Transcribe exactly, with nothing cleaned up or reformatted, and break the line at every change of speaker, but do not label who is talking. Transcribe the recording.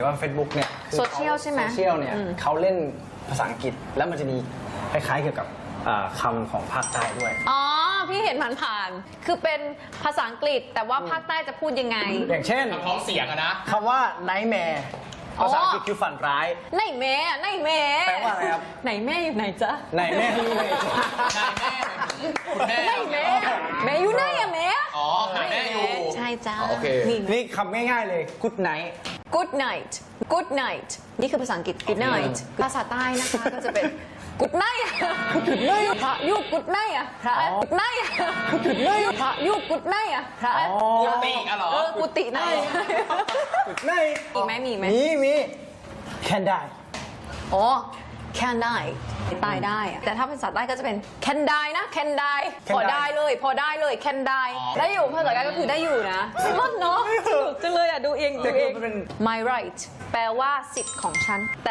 ว่า Facebook เนี่ย
โซเชียลใช่ไหม
โซเชียลเนี่ยเขาเล่นภาษาอังกฤษแล้วมันจะมีคล้ายๆเกี่ยวกับคำของภาคใต้ด้วย
อ๋อ พี่เห็นผ่านๆคือเป็นภาษาอังกฤษแต่ว่าภาคใต้จะพูดยังไง
อย่างเช่น
ท้องเสียงอะนะ
คำว่า nightmare ภาษาอังกฤษคือฝันร้าย
ไหนแม่อะไหนแม่
แปลว่าอะไรครับ
ไหนแม่อยู่ไหนจ๊ะ
ไหนแม่ที่ไหน
นายแม่คุณแม่
ไหนแม่แม่อยู่ไหนอะแม่
อ๋อหาแม่อยู่
ใช่จ้า
โอเค
นี่
นี่คำง่ายๆเลย good night
good night good night นี่คือภาษาอังกฤษ good night ภาษาใต้นะคะก็จะเป็น good night good night พระยุ good night อะพระ good night good night พระยุ good night อะพระ
กุฏิอะเหรอ
เออกุฏิไหน
good night
มีไหมมีไหม
มีมี can die
อ๋อ can die ตายได้อะแต่ถ้าภาษาใต้ก็จะเป็น can die นะ can die พอได้เลย พอได้เลย can die ได้อยู่ภาษาใต้ก็คือได้อยู่นะมันเนาะสนุกจังเลยอ่ะ ดูเองดูเอง my right แปลว่าสิทธิ์ของฉัน